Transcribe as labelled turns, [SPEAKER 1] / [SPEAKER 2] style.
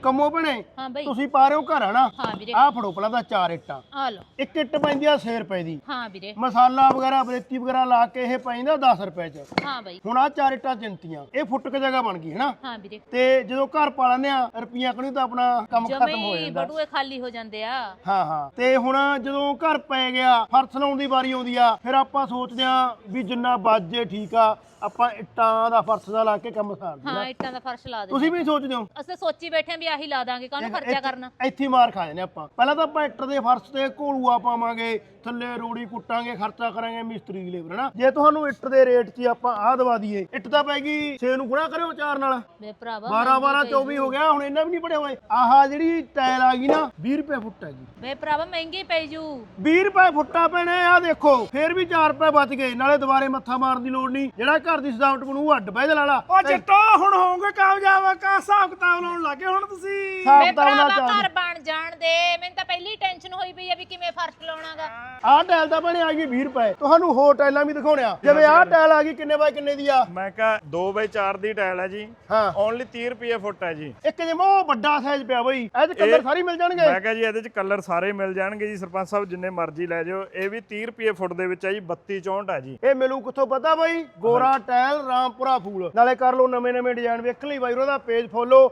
[SPEAKER 1] ਕੰਮੋ ਭੈਣੇ
[SPEAKER 2] ਹਾਂ ਬਈ
[SPEAKER 1] ਤੁਸੀਂ ਪਾ ਰਹੇ ਹੋ ਘਰ ਹਨਾ
[SPEAKER 2] ਹਾਂ ਵੀਰੇ
[SPEAKER 1] ਆਹ ਫੜੋ ਪਹਿਲਾਂ ਤਾਂ 4 ਇੱਟਾਂ
[SPEAKER 2] ਆ ਲਓ
[SPEAKER 1] ਇੱਕ ਇੱਟ ਪੈਂਦੀ ਆ 6 ਰੁਪਏ ਦੀ
[SPEAKER 2] ਹਾਂ ਵੀਰੇ
[SPEAKER 1] ਮਸਾਲਾ ਵਗੈਰਾ ਬਰੇਤੀ ਵਗੈਰਾ ਲਾ ਕੇ ਇਹ ਪੈਂਦਾ 10 ਰੁਪਏ ਚ
[SPEAKER 2] ਹਾਂ ਬਈ
[SPEAKER 1] ਹੁਣ ਆ 4 ਇੱਟਾਂ ਚਿੰਤੀਆਂ ਇਹ ਫੁੱਟ ਕੇ ਜਗ੍ਹਾ ਬਣ ਗਈ ਹਨਾ
[SPEAKER 2] ਹਾਂ ਵੀਰੇ
[SPEAKER 1] ਤੇ ਜਦੋਂ ਘਰ ਪਾ ਲੈਂਦੇ ਆ ਰੁਪਈਆ ਕਣੀ ਤਾਂ ਆਪਣਾ ਕੰਮ ਖਤਮ ਹੋ
[SPEAKER 2] ਜਮਈ
[SPEAKER 1] ਜਾਂਦਾ
[SPEAKER 2] ਬਟੂਏ ਖਾਲੀ ਹੋ ਜਾਂਦੇ ਆ
[SPEAKER 1] ਹਾਂ ਹਾਂ ਤੇ ਹੁਣ ਜਦੋਂ ਘਰ ਪੈ ਗਿਆ ਫਰਸ਼ ਲਾਉਣ ਦੀ ਵਾਰੀ ਆਉਂਦੀ ਆ ਫਿਰ ਆਪਾਂ ਸੋਚਦੇ ਆ ਵੀ ਜਿੰਨਾ ਬਾਜੇ ਠੀਕ ਆ ਆਪਾਂ ਇੱਟਾਂ ਦਾ ਫਰਸ਼ ਦਾ ਲਾ ਕੇ ਕੰਮ ਸਾਰ
[SPEAKER 2] ਹਾਂ ਇੱਟਾਂ ਦਾ ਫਰਸ਼ ਲਾ ਦੇ
[SPEAKER 1] ਤੁਸੀਂ ਵੀ ਸੋਚਦੇ ਹੋ
[SPEAKER 2] ਅਸੀਂ ਸੋਚੀ ਬੈਠੇ ਆਂ ਵੀ ਆਹੀ ਲਾ ਦਾਂਗੇ ਕਾਹਨੂੰ ਖਰਚਾ ਕਰਨਾ
[SPEAKER 1] ਇੱਥੇ ਹੀ ਮਾਰ ਖਾ ਜਾਂਦੇ ਆਪਾਂ ਪਹਿਲਾਂ ਤਾਂ ਆਪਾਂ ਇੱਟ ਦੇ ਫਰਸ਼ ਤੇ ਘੋਲੂਆ ਪਾਵਾਂਗੇ ਥੱਲੇ ਰੋੜੀ ਕੁੱਟਾਂਗੇ ਖਰਚਾ ਕਰਾਂਗੇ ਮਿਸਤਰੀ ਦੀ ਲੇਬਰ ਹਨਾ ਜੇ ਤੁਹਾਨੂੰ ਇੱਟ ਦੇ ਰੇਟ 'ਚ ਹੀ ਆਪਾਂ ਆਹ ਦਵਾ ਦਈਏ ਇੱਟ ਤਾਂ ਪੈ ਗਈ 6 ਨੂੰ ਗੁਣਾ ਕਰਿਓ 4 ਨਾਲ
[SPEAKER 2] ਵੇ ਭਰਾਵਾ
[SPEAKER 1] 12 12 24 ਹੋ ਗਿਆ ਹੁਣ ਇਹਨਾਂ ਵੀ ਨਹੀਂ ਪੜਿਆ ਹੋਏ ਆਹ ਜਿਹੜੀ ਟਾਇਲ ਆ ਗਈ ਨਾ 20 ਰੁਪਏ ਫੁੱਟ ਹੈ ਜੀ
[SPEAKER 2] ਵੇ ਭਰਾਵਾ ਮਹਿੰਗੀ ਪੈ ਜੂ
[SPEAKER 1] 20 ਰੁਪਏ ਫੁੱਟਾ ਪੈਣੇ ਆ ਦੇਖੋ ਫੇਰ ਵੀ 4 ਰੁਪਏ ਬਚ ਗਏ ਨਾਲੇ ਦੁਬਾਰੇ ਮੱਥਾ ਮਾਰਨ ਦੀ ਲੋੜ ਨਹੀਂ ਜਿਹੜਾ ਘਰ ਦੀ ਸਜਾਵਟ ਬਣੂ ਉਹ ਅੱਡ ਬਹਿ ਜਾ ਲਾਲਾ
[SPEAKER 3] ਉਹ ਜੱਟੋ ਹੁਣ ਹੋਵੋਗੇ ਕਾਮਯਾਬ ਕਾ ਹਿਸਾਬ ਕਿਤਾਬ ਲਾਉਣ ਲੱਗੇ ਹੁਣ ਤੁਸੀਂ
[SPEAKER 1] ਹਿਸਾਬ
[SPEAKER 2] ਵੇ
[SPEAKER 1] ਕਿਤਾਬ ਨਾਲ
[SPEAKER 2] ਭਰਾਵਾ
[SPEAKER 1] ਚੱਲ
[SPEAKER 2] ਘਰ ਬਣ ਜਾਣ ਦੇ ਮੈਨੂੰ ਤਾਂ ਪਹਿਲੀ ਟੈਨਸ਼ਨ ਹੋਈ ਪਈ ਆ ਵੀ ਕਿਵੇਂ ਫਰਸ਼ ਲਾਉਣਾਗਾ
[SPEAKER 1] ਆਹ ਟਾਇਲ ਤਾਂ ਬਣੇ ਆ ਗਈ 20 ਰੁਪਏ ਤੁਹਾਨੂੰ ਹੋਰ ਟਾਇਲਾਂ ਵੀ ਦਿਖਾਉਣਿਆ ਜਿਵੇਂ ਆਹ ਟਾਇਲ ਆ ਗਈ ਕਿੰਨੇ ਬਾਈ ਕਿੰਨੇ ਦੀ ਆ
[SPEAKER 3] ਮੈਂ ਕਿਹਾ 2x4 ਦੀ ਟਾਇਲ ਹੈ ਜੀ
[SPEAKER 1] ਹਾਂ
[SPEAKER 3] ਓਨਲੀ 30 ਰੁਪਏ ਫੁੱਟ ਹੈ ਜੀ
[SPEAKER 1] ਇੱਕ ਜਿਵੇਂ ਉਹ ਵੱਡਾ ਸਾਈਜ਼ ਪਿਆ ਬਈ ਇਹ ਚ ਕਲਰ ਸਾਰੀ ਮਿਲ ਜਾਣਗੇ
[SPEAKER 3] ਮੈਂ ਕਿਹਾ ਜੀ ਇਹਦੇ ਚ ਕਲਰ ਸਾਰੇ ਮਿਲ ਜਾਣਗੇ ਜੀ ਸਰਪੰਚ ਸਾਹਿਬ ਜਿੰਨੇ ਮਰਜ਼ੀ ਲੈ ਜਾਓ ਇਹ ਵੀ 30 ਰੁਪਏ ਫੁੱਟ ਦੇ ਵਿੱਚ ਹੈ ਜੀ 32 64 ਹੈ ਜੀ
[SPEAKER 1] ਇਹ ਮਿਲੂ ਕਿੱਥੋਂ ਪਤਾ ਬਈ ਗੋਰਾ ਟਾਇਲ ਰਾਮਪੁਰਾ ਫੂਲ ਨਾਲੇ ਕਰ ਲਓ ਨਵੇਂ ਨਵੇਂ ਡਿਜ਼ਾਈਨ ਵੇਖ ਲਈ ਬਾਈ ਉਹਦਾ ਪੇਜ ਫੋਲੋ